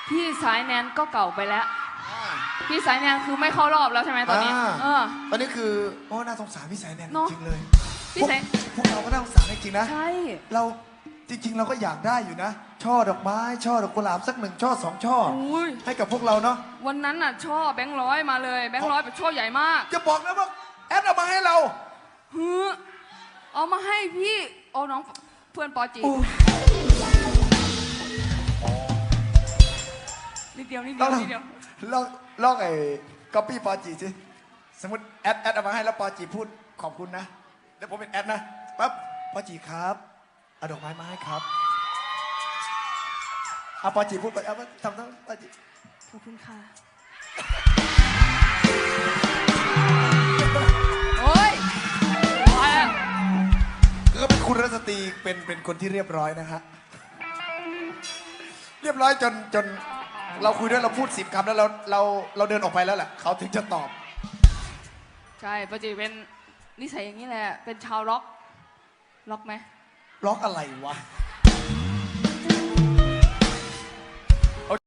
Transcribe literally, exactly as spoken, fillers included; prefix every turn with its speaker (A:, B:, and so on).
A: พี่สายแนนก็เก่าไปแล้วพี่สายแนนคือไม่เข้ารอบแล้วใช่ไหมตอนนี้เออ
B: ตอนนี้คือโอ้น่าสงสารพี่สายแนนจริงเลย
A: พี่สาย
B: พวกเราก็น่าสงสารจริงๆนะ
A: ใช่
B: เราจริงๆเราก็อยากได้อยู่นะช่อดอกไม้ช่อดอกกุหลาบสักหนึ่งช่อสองช่อให้กับพวกเราเนาะ
A: วันนั้นน่ะช่อแบงค์ร้อยมาเลยแบงค์ร้อยเป็นช่อใหญ่มาก
B: จะบอกนะว่าแอดเอามาให้เรา
A: ฮือเอามาให้พี่เอาน้องเพื่อนปอจีนิดเดียวนิดเดียวนิดเดียว
B: ลองลองไอ้ก๊อปปี้ปอจีสิสมมติแอดแอดเอามาให้แล้วปอจีพูดขอบคุณนะเดี๋ยวผมเป็นแอดนะปั๊บปอจีครับเอาดอกไม้มาให้ครับเอาปอจีพูดไปเอาทำทั้งปอจี
A: ขอบคุณค่ะโอ้ยมาแล้ว
B: ก็เป็นคุณรัตตีเป็นเป็นคนที่เรียบร้อยนะฮะเรียบร้อยจนจนเราคุยด้วยเราพูดสิบคำแล้วเราเราเราเดินออกไปแล้วแหละเขาถึงจะตอบ
A: ใช่ปอจีเป็นนิสัยอย่างนี้แหละเป็นชาวล็อกล็อกไหม
B: ล็อกอะไรวะ